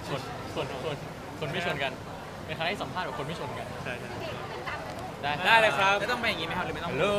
ชนคนไม่ชนกันเป็นครั้งที่สัมภาษณ์กับคนไม่ชนกันใช่ได้เลยครับจะต้องเป็นอย่างนี้ไหมครับหรือไม่ต้องฮัลโหล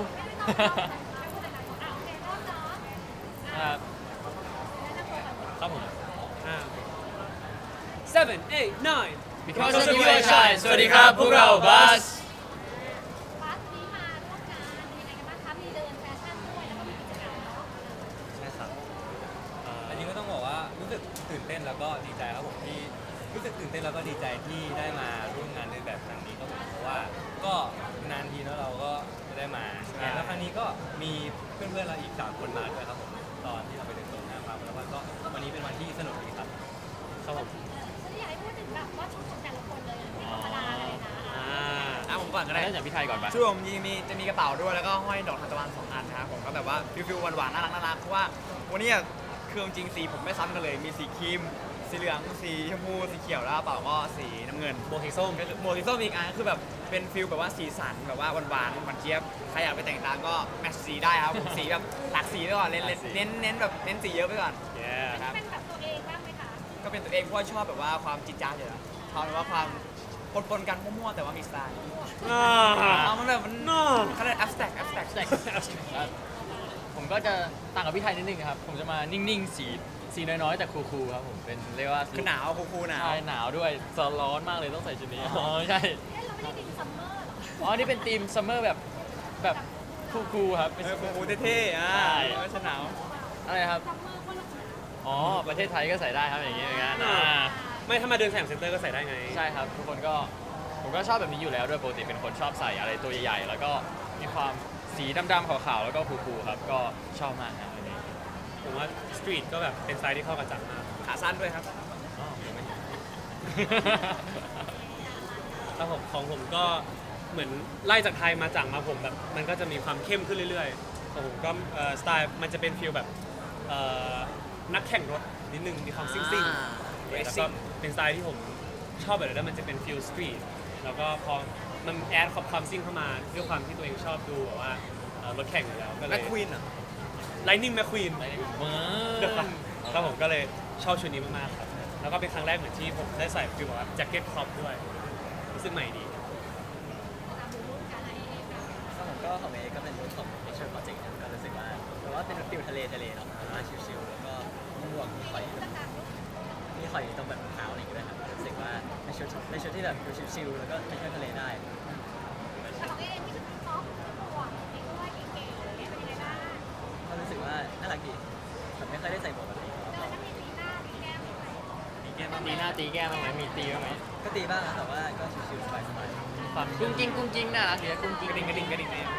ครับผม 7 8 9 Because of you I shine สวัสดีครับพวกเราบัสบัสนี้มาร่วมงานเป็นยังไงกันบ้างคะมีเดินแฟชั่นด้วยแล้วก็มีกิจกรรมเนาะใช่ครับอันนี้ก็ต้องบอกว่ารู้สึกตื่นเต้นแล้วก็ดีใจครับผมที่รู้สึกตื่นเต้นแล้วก็ดีใจที่ได้มาร่วมงานในแบบครั้งนี้ครับผมเพราะว่าก็นานทีแล้วเราก็จะได้มาแล้วครั้งนี้ก็มีเพื่อนๆเราอีก3คนมาด้วยครับผมตอนที่เราไปเดินตรงหน้าฟาร์มแล้วก็วันนี้เป็นวันที่สนุกดีครับครับผมฉันอยากให้พูดถึงแบบว่าชุดของแต่ละคนเลยไม่ธรรมดาเลยนะผมก่อนก็ได้เริ่มจากพี่ไทยก่อนปะช่วงผมจะมีกระเป๋าด้วยแล้วก็ห้อยดอกทานตะวัน2 อันนะครับผมก็แบบว่าฟิลหวานๆน่ารักเพราะว่าวันนี้เครื่องจริงสีผมไม่ซ้ำกันเลยมีสีครีมสีเหลืองสีชมพูสีเขียวแล้วกระเป๋าก็สีน้ำเงินโบสีส้มหมวกสีส้มอีกอันคือแบบเป็นฟิลแบบว่าสีสันแบบว่าหวานเจี๊ยบใครอยากไปแต่งตามก็แมทช์สีได้ครับผมสีแบบหลากสีไปก่อนเน้นแบบเน้นสีเยอะไปก่อนอันนี้เป็นแบบตัวเองบ้างไหมคะก็เป็นตัวเองเพราะว่าชอบแบบว่าความจิ๊ดจ๊าดอยู่แล้วชอบแบบว่าความปนกันมั่วๆแต่ว่ามีสไตล์เอามันแบบมันเขาเรียก abstract ผมก็จะต่างกับพี่ไทยนิดนึงครับผมจะมานิ่งๆสีน้อยๆแต่คูลๆครับผมเป็นเรียกว่าคือหนาวคูลๆหนาวใช่หนาวด้วยร้อนมากเลยต้องใส่ชุดนี้อ๋อไม่ใช่เอ๊ะเราไม่ได้ดินซัมเมอร์หรออ๋อนี่เป็นธีมซัมเมอร์แบบคูลๆครับเป็นคูลๆเท่ๆไม่ใช่หนาวอะไรครับซัมเมอร์คนละหนาวอ๋อประเทศไทยก็ใส่ได้ครับอย่างนี้เหมือนกันไม่ถ้ามาเดินแสงเซ็นเตอร์ก็ใส่ได้ไงใช่ครับทุกคนก็ผมก็ชอบแบบนี้อยู่แล้วด้วยปกติเป็นคนชอบใส่อะไรตัวใหญ่ๆแล้วก็มีความสีดำๆขาวๆแล้วก็คูลๆครับก็ชอบมากครับอันนี้ผมว่าสตรีทก็แบบเป็นสไตล์ที่เข้ากับจักรมากขาสั้นด้วยครับอ๋อยังไม่เห็นแล้วผมของผมก็เหมือนไล่จากไทยมาจักรมาผมแบบมันก็จะมีความเข้มขึ้นเรื่อยๆของผมก็สไตล์มันจะเป็นฟีลแบบนักแข่งรถนิดนึงมีความซิ่งๆแล้วก็เป็นสไตล์ที่ผมชอบแบบนั้นแล้วมันจะเป็นฟีลสตรีทแล้วก็พอมันแอดความซิ่งเข้ามาด้วยความที่ตัวเองชอบดูแบบว่ารถแข่งอยู่แล้วก็เลแม็ยกควีนอ่ะ Lightning McQueen เมืเดี๋ยวอครับผมก็เลยชอบชุดนี้มากๆครับแล้วก็เป็นครั้งแรกเหมือนที่ผมได้ใส่ฟีลแบบว่าแจ็คเก็ตครอปด้วยรู้สึกใหม่ดีก็ผมก็ของเอก็เป็นรุ่นของ Picture Project ก็รู้สึกว่าแต่ว่าเป็นฟิลทะเลเนาะมาชิลๆแล้วก็หมวกมีข่อยตรงแบบเท้าอะไรอย่างเงี้ยด้วยครับรู้สึกว่าเป็นชุดที่แบบดูชิลๆแล้วก็ไปเที่ยวทะเลได้แต่ของเองมีชุดท็อปหมวกเองด้วยเก๋ๆเป็นยังไงบ้างก็รู้สึกว่าน่ารักดีผมไม่เคยได้ใส่หมวกแบบนี้เดินแล้วมีตีหน้าตีแก้มด้วยมีแก้มบ้างตีหน้าตีแก้มบ้างไหมมีตีบ้างไหมก็ตีบ้างนะแต่ว่าก็ชิลๆสบายความกุ้งกิ้งน่ารักดีนะกุ้งกิ้งกระดิ่งเนี่ย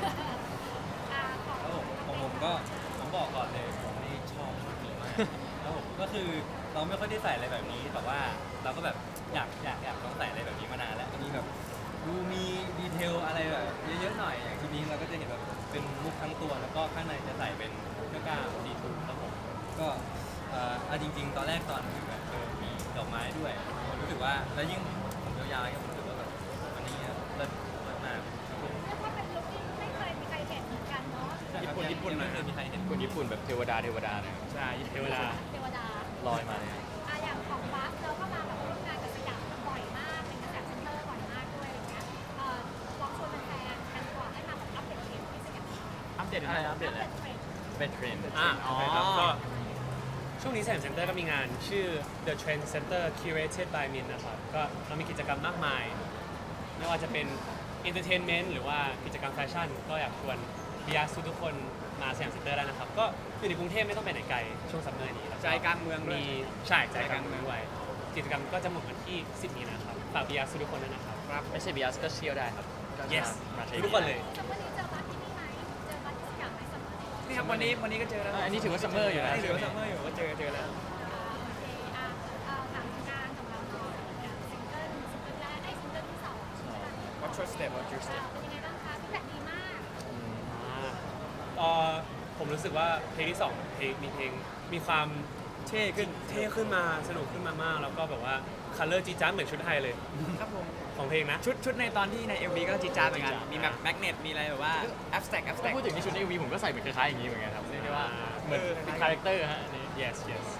ๆของผมก็ผมบอกก่อนเลยผมนี่ชอบชุดนี้มากแล้วผมก็คือเราไม่ค่อยได้ใส่อะไรแบบนี้แต่ว่าเราก็แบบอยากลองใส่อะไรแบบนี้มานานแล้วอันนี้แบบดูมีดีเทลอะไรแบบเยอะๆหน่อยอย่างชุดนี้เราก็จะเห็นแบบเป็นมุกทั้งตัวแล้วก็ข้างในจะใส่เป็นเสื้อกล้ามดีทูครับผมก็เอาจริงๆ ตอนแรกตอนที่แบบมีดอกไม้ด้วยผมรู้สึกว่าแล้วยิ่งผมยาวๆผมรู้สึกว่าแบบอันนี้เลิศมากครับผมเรียกว่าเป็นลุคที่ไม่เคยมีใครเห็นเหมือนกันเนาะญี่ปุ่นไม่เคยมีใครเห็นคนญี่ปุ่นแบบเทวดาเลยใช่เทวดาเทวดาลอยมาเลยอย่างของบัสเราก็มาแบบร่วมงานกับสยามบ่อยมากเป็นกระแสเซ็นเตอร์บ่อยมากด้วยอะไรเงี้ยลองชวนแฟนๆกันก่อนให้มาแบบอัปเดตเทรนด์ที่สยามอัปเดตอะไรนะอัปเดตแหละเทรนด์เป็นเทรนด์โอเคครับก็ช่วงนี้แสงเซ็นเตอร์ก็มีงานชื่อ The Trend Center Curated by Min นะครับก็เรามีกิจกรรมมากมาย ไม่ว่าจะเป็น Entertainment หรือว่ากิจกรรมแฟชั่น ก็อยากชวนบิยาสุทุกคนมาแสงเซ็นเตอร์ได้นะครับ ก็อยู่ในกรุงเทพไม่ต้องไปไหนไกลช่วงซัมเมอร์นี้แล้วใจกลางเมืองด้วยมีใช่ใจกลางเมืองด้วยกิจกรรมก็จะหมดวันที่ 10 มีนาครับฝากบิยาสุทุกคนด้วยนะครับไม่ใช่บีอาร์ก็เที่ยวได้ครับ yes มาเที่ยวทุกคนเลยซัมเมอร์นี้เจอบัสที่นี่ไหมเจอบัสที่สยามไหมซัมเมอร์นี้นี่ครับวันนี้ก็เจอแล้วอันนี้ถือว่าซัมเมอร์อยู่นะนี่ถือว่าซัมเมอร์อยู่ก็เจอแล้วโอเคถามงานของเราหน่อยซิงเกิลแรกซิงเกิลที่สอง Watch your step Watch your step เป็นยังไงบ้างคะฟีดแบ็กดีมากผมรู้สึกว่าเพลงที่2เพลงมีความเท่ขึ้นเท่ขึ้นมาสนุกขึ้นมามากแล้วก็แบบว่าคัลเลอร์จีจ้าเหมือนชุดไทยเลยครับผมของเพลงนะชุดในตอนที่ใน MV ก็จีดจ้าดเหมือนกันมีแบบแมกเนตมีอะไรแบบว่า abstract ถ้า abstract พูดถึงในชุดในวีผมก็ใส่เหมือนคล้ายๆอย่างนี้เหมือนกันครับเรียกได้ว่าเหมือนเป็นคาแรคเตอร์ฮะอันนี้ yes yes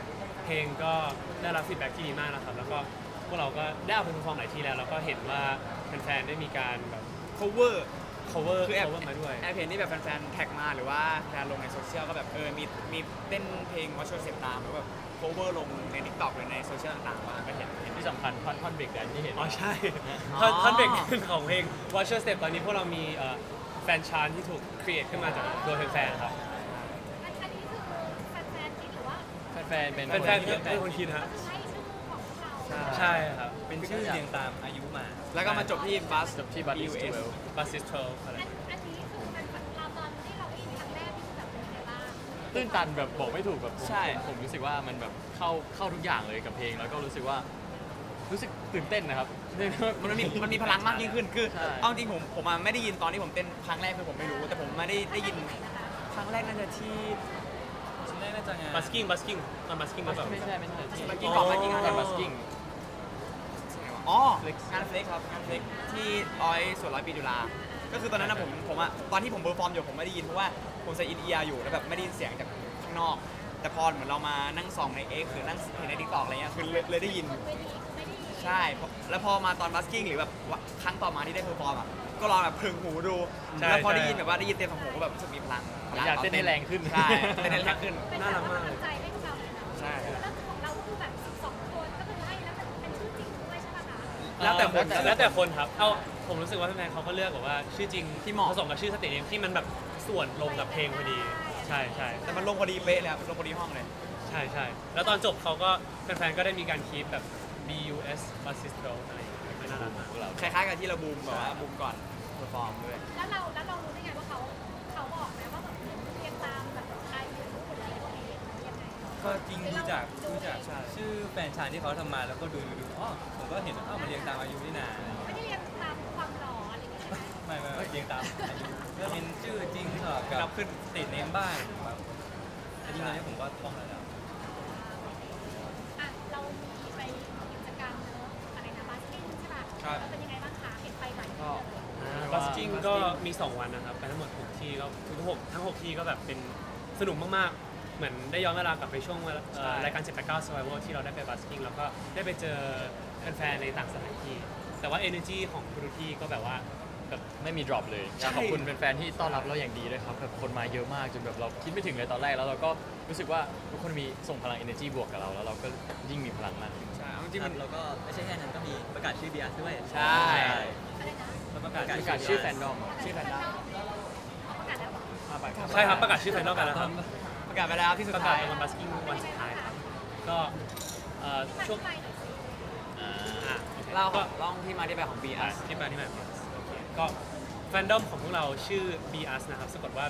เพลงก็ได้รับฟีดแบ็กที่ดีมากนะครับแล้วก็พวกเราก็ได้เอาไปเพอร์ฟอร์มหลายที่แล้วแล้วก็เห็นว่าแฟนๆได้มีการแบบ cover cover คือแอบ cover มาด้วยแอบเห็นที่แบบแฟนๆแท็กมาหรือว่าแฟนลงในโซเชียลก็แบบมีเต้นเพลงวัชชวลเสียงตามหรือแบบ cover ลงใน TikTok หรือในโซเชียลต่างๆมาก็เห็นที่สำคัญท่อนเบรกแดนที่เห็นอ๋อใช่อ๋อท่อนเบรกของเพลง Watcher Step ตอนนี้พวกเรามีแฟนชานที่ถูกครีเอทขึ้นมาจากโดยแฟนๆครับอันนี้คือแฟนๆคิดหรือว่าแฟนๆเป็นแฟนๆเป็นคนคิดฮะใช้ชื่อของพวกเราใช่ครับเป็นชื่อเรียงตามอายุมาแล้วก็มาจบที่บัสจบที่บัตติส BUS บัสซิสเทลอะไรอันนี้คือเป็นเราตอนที่เราได้ยินครั้งแรกที่คือแบบเป็นยังไงบ้างตื้นตันแบบบอกไม่ถูกแบบผมใช่ผมรู้สึกว่ามันแบบเข้าทุกอย่างเลยกับเพลงแล้วก็รู้สึกว่ารู้สึกตื่นเต้นนะครับมันมีพลังมากยิ่งขึ้นคือใช่เอาจริงผมมาไม่ได้ยินตอนที่ผมเต้นครั้งแรกคือผมไม่รู้แต่ผมมาได้ยินครั้งแรกน่าจะที่ชิ้นแรกน่าจะงานบัสกิ้งมันบัสกิ้งมาแบบไม่ใช่ที่บัสกิ้งก่อนบัสกิ้งงานบัสกิ้งอ๋องานเฟล็กครับงานเฟล็กที่ส่วนร้อยปีจุฬาก็คือตอนนั้นนะผมอะตอนที่ผมเบอร์ฟอร์มอยู่ผมไม่ได้ยินเพราะว่าผมใส่อินเอียร์อยู่แล้วแบบไม่ได้ยินเสียงจากข้างนอก แต่พอเหมือนเรามานั่งส่องใน X หรือนั่งเห็นใน TikTok อะไรเงี้ยคือเลยได้ยินไม่ดีไม่ดีใช่แล้วพอมาตอนบัสกิ้งหรือแบบครั้งต่อมาที่ได้เพอร์ฟอร์มอ่ะก็ลองแบบพึงหูดู แล้วพอได้ยินแบบว่าได้ยินเต็มสองหูก็แบบรู้สึกมีพลังอยากเต้นให้แรงขึ้นใช่เต้นให้แรงขึ้นเป็นแบบว่ากำลังใจให้พวกเราเลยนะใช่แล้วของเราก็คือแบบ12 คนก็คือให้แล้วเป็นชื่อจริงด้วยใช่ไหมคะแล้วแต่คนแล้วแต่คนครับเอาผมรู้สึกว่าแฟนๆเขาก็เลือกแบบว่าชื่อจริงที่เหมาะผสมกับชื่อสเตจเนมที่มันแบบส่วนลงกับเพลงพอดี ใช่ใช่แต่มันลงพอดีเป๊ะเลยครับลงพอดีห้องเลยใช่ใช่แล้วตอนจบเขาก็แฟนๆก็ได้มีการคีปแบบ BUS Bassistro อะไรอย่างเงี้ยไม่น่ารักมากคล้ายๆกับที่เราบูมแบบว่าบูมก่อนเพอร์ฟอร์มด้วยแล้วเรารู้ได้ไงว่าเขาบอกไหมว่าแบบเรียงตามแบบอายุหรืออะไรพวกนี้ยังไงก็จริงรู้จักใช่ชื่อแฟนชายที่เขาทำมาแล้วก็ดูอ๋อผมก็เห็นมันเรียงตามอายุนี่นาไม่ได้เรียงตามความหล่ออะไรอย่างเงี้ยใช่ไหมไม่เรียงตามอายุก็เป็นชื่อจริงสลับนักับบขึ้นสเตทเนมบ้างครับอันนี้ตอนนี้ผมก็ท่องแล้วอ่ะเรามีไปกิจกรรมเนอะอะไรนะบาสกิ้งใช่ป่ะครับเป็นยังไงบ้างคะเห็นไปหลายที่ก็เลยบัสกิ้งก็มี 2 วันนะครับ ไปทั้งหมด 6 ที่ก็ทั้ง 6 ที่ก็แบบเป็นสนุกมากๆ เหมือนได้ย้อนเวลากลับไปช่วงรายการ 789 Survival ที่เราได้ไปบัสกิ้งแล้วก็ได้ไปเจอแฟนๆในต่างสถานที่ แต่ว่า energy ของทุกที่ก็แบบว่าแบบไม่มี drop เลยอยากขอบคุณแฟนๆที่ต้อนรับเราอย่างดีด้วยครับแบบคนมาเยอะมากจนแบบเราคิดไม่ถึงเลยตอนแรกแล้วเราก็รู้สึกว่าทุกคนมีส่งพลัง energy บวกกับเราแล้วเราก็ยิ่งมีพลังมากขึ้นใช่เอาจริงๆมันแล้วก็ไม่ใช่แค่นั้นก็มีประกาศชื่อบีอาร์ด้วยใช่อะไรนะแล้วประกาศประกาศชื่อแฟนดอมชื่อแฟนดอมประกาศแล้วเหรอใช่ครับประกาศชื่อแฟนนอลกันแล้วครับประกาศไปแล้วที่สุปดระกาศท้ายในวันบัสกิ้งวันสุดท้ายครับก็ช่วงไปหน่อยสิอ่ะโอเคเล่าก็ลองที่มาที่ไปของ B อ่ะ S ที่มาที่มาโอเคก็แฟนดอมของพวกเราชื่อ BUS นะครับสะกดว่า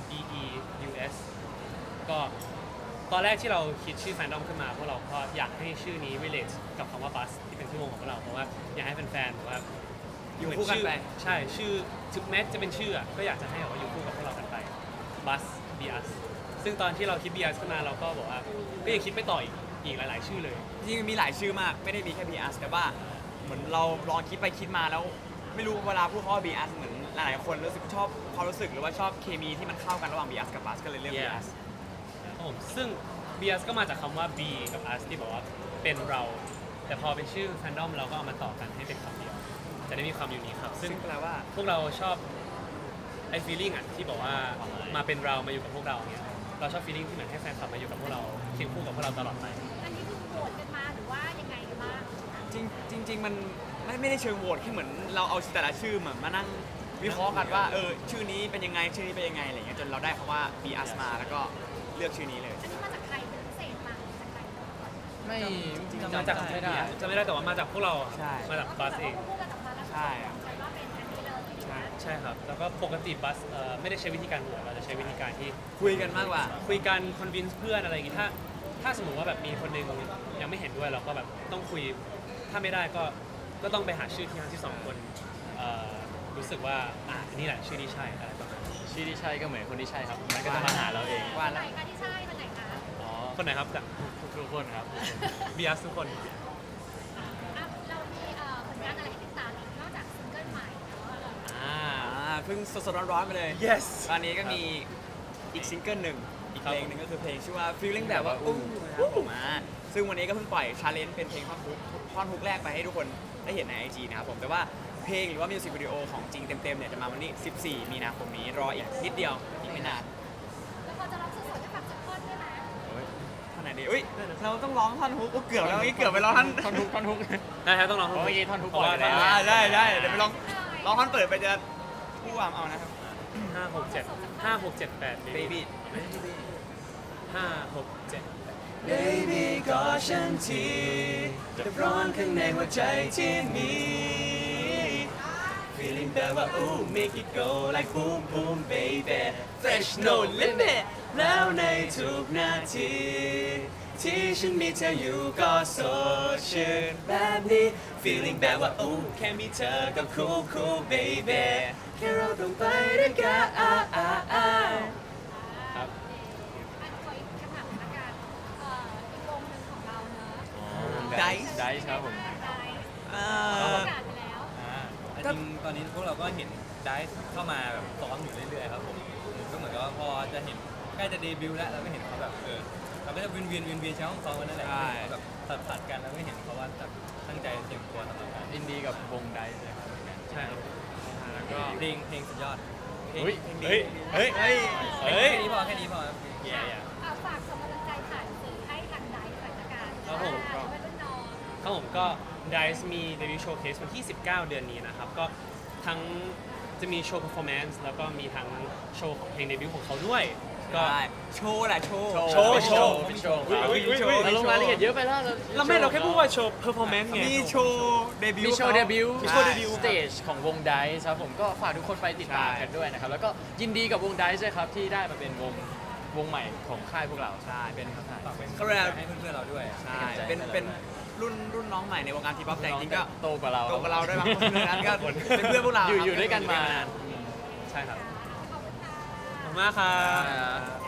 BEUS ก็ตอนแรกที่เราคิดชื่อแฟนดอมขึ้นมาพวกเราก็อยากให้ชื่อนี้ relate กับคำว่า bus ที่เป็นชื่อวงของพวกเราเพราะว่าอยากให้แฟนๆแบบว่าอยู่คู่กันไปใช่ชื่อถึงแม้จะเป็นชื่ออะก็อยากจะให้แบบว่าอยู่คู่กับพวกเรากันไป bus BUS ซึ่งตอนที่เราคิด BUS ขึ้นมาเราก็บอกว่าก็ยังคิดไปต่ออีกหลาย ๆ ชื่อเลยจริงๆมีหลายชื่อมากไม่ได้มีแค่ B S แต่ว่าเหมือนเราลองคิดไปคิดมาแล้ว ไม่รู้เวลาพูดคำว่า B S เหมือนหลายๆคนรู้สึกชอบความรู้สึกหรือว่าชอบเคมีที่มันเข้ากันระหว่าง B S กับ Bus ก็เลยเรียก B Yeah S ครับผมซึ่ง BUS ก็มาจากคำว่า B กับ us ที่บอกว่าเป็นเรา แต่พอเป็นชื่อแฟนดอมเราก็เอามาต่อกันให้เป็นคำเดียว จะได้มีความยูนิคครับ ซึ่ซึ่งงแปลว่าพวกเราชอบไอ้ feeling อ่ะที่บอกว่ามาเป็นเรามาอยู่กับพวกเราเนี่ยเราชอบ feeling ที่เหมือนให้แฟนคลับมาอยู่กับพวกเราเคียงคู่กับพวกเราตลอดไปอันนี้คือโหวตกันมาหรือว่ายังไงกันบ้างจริงๆมันไม่ได้เชิงโหวตแค่เหมือนเราเอาแต่ละชื่อเหมือนมานั่งวิเคราะห์กันว่าชื่อนี้เป็นยังไงชื่อนี้เป็นยังไงอะไรเงี้ยจนเราได้คำว่า B S มาแล้วก็เลือกชื่อนี้เลยอันนี้มาจากใครเป็นพิเศษมาจากใครไม่มาจากไม่ได้จะไม่ได้แต่ว่ามาจากพวกเราใช่มาจากบัสเองพูดกันออกมาแล้วใช่อะว่าเป็นอันนี้เลยที่ใช่ใช่ครับ แล้วก็ปกติบัสไม่ได้ใช้วิธีการโหวตเราจะใช้วิธีการที่คุยกันมากกว่าคุยกันคอนวินส์เพื่อนอะไรอย่างงี้ถ้าสมมติว่าแบบมีคนหนึงยังไม่เห็นด้วยเราก็แบบต้องคุยถ้าไม่ได้ก็ต้องไปหาชื่อที่ทั้งที่สองคนรู้สึกว่าอันนี้แหละชื่อที่ใช่อะไรประมาณนี้ชื่อที่ใช่ก็เหมือนคนที่ใช่ครับมันก็จะมาหาเราเองว่าไหนแล้วคะที่ใช่คนไหนคะอ๋อคนไหนครับจากทุกคนครับบีอาร์ทุกคนอ่ะเรามีผลงานอะไรให้ติดตามอีกนอกจากซิงเกิลใหม่เนาะเพิ่งสดๆร้อนๆไปเลย yes ตอนนี้ก็มีอีกซิงเกิลหนึ่งอีกครับเพลงหนึ่งก็คือเพลงชื่อว่า feeling แบบว่าอู้นะครับผมซึ่งวันนี้ก็เพิ่งปล่อยชาเลนจ์เป็นเพลงท่อนฮุกแรกไปให้ทุกคนได้เห็นใน IG นะครับผมแต่ว่าเพลงหรือว่ามิวสิกวิดีโอของจริงเต็มๆเนี่ยจะมาวันที่ 14 มีนาคมนี้รออีกนิดเดียวอีกไม่นานแล้วพอจะร้องสดๆให้ฟังสักท่อนได้ไหมท่อนไหนดีอุ้ยเราต้องร้องท่อนฮุกเกือบแล้วเกือบไปร้องท่อนท่อนฮุกท่อนฮุกได้ครับต้องลองโอ้ยท่อนฮุกเพราะว่าก่อนเลยได้ได้เดี๋ยวไปร้องท่อนเปิดไปจะผู้วามเอานะครับ 5 6 7 baby 5 6 7 Baby ก็ฉันทีจะร้อนข้างในหัวใจที่มี Feeling แบบว่า ooh make it go like boom boom baby Fresh no limit แล้วในทุกนาที ที่ฉันมีเธออยู่ก็สดชื่นแบบนี้ Feeling แบบว่า ooh แค่มีเธอก็ cool cool baby แค่เราต้องไปด้วยกันครับอันขออีกคำถามละกันอีกวงหนึ่งของเราเนอะ Dice ได้ครับผมได้ประกาศไปแล้วจริงตอนนี้พวกเราก็เห็นได้เข้ามาแบบซ้อมอยู่เรื่อยๆครับผมก็เหมือนกับว่าพอจะเห็นใกล้จะเดบิวต์แล้วเราก็เห็นเขาแบบเราก็จะเวียนใช้ห้องซ้อมกันนั่นแหละใช่แบบตัดกันแล้วก็เห็นเขาว่าแบบตั้งใจเตรียมตัวสำหรับการยินดีกับวงไดซ์เลยครับใช่ครับแล้วก็เพลงสุดยอดเฮ้ยเฮ้ยเฮ้ยเฮ้ยเฮ้ยแค่นี้พอครับแย่ฝากส่งกำลังใจผ่านสื่อให้ทางไดฟ์หน่อยละกันครับผมเป็นรุ่นน้องครับผมก็ Dice มีเดบิวต์โชว์เคสวันที่ 19 เดือนนี้นะครับ ก็ทั้งจะมีโชว์ performance แล้วก็มีทั้งโชว์ของเพลงเดบิวต์ของเขาด้วย ก็ได้โชว์แหละโชว์โชว์เป็นโชว์อุ๊ยอุ๊ยอุ๊ยเราลงรายละเอียดเยอะไปแล้วเราแค่พูดว่าโชว์ performance ไงมีโชว์เดบิวต์มีโชว์เดบิวต์มีโชว์เดบิวต์สเตจของวงไดซ์ครับผมก็ฝากทุกคนไปติดตามกันด้วยนะครับ แล้วก็ยินดีกับวงไดซ์ด้วยครับที่ได้มาเป็นวงใหม่ของค่ายพวกเราใช่เป็นครับฝากเป็นเขาเรียกให้เพื่อนๆเราด้วยใช่เป็นรุ่นน้องใหม่ในวงการทีป๊อปแต่จริงๆก็โตกว่าเราโตกว่าเราด้วยบางคนนั้นก็เป็นเพื่อนพวกเราอยู่ด้วยกันมาใช่ครับขอบคุณค่ะขอบคุณมากครับอ่า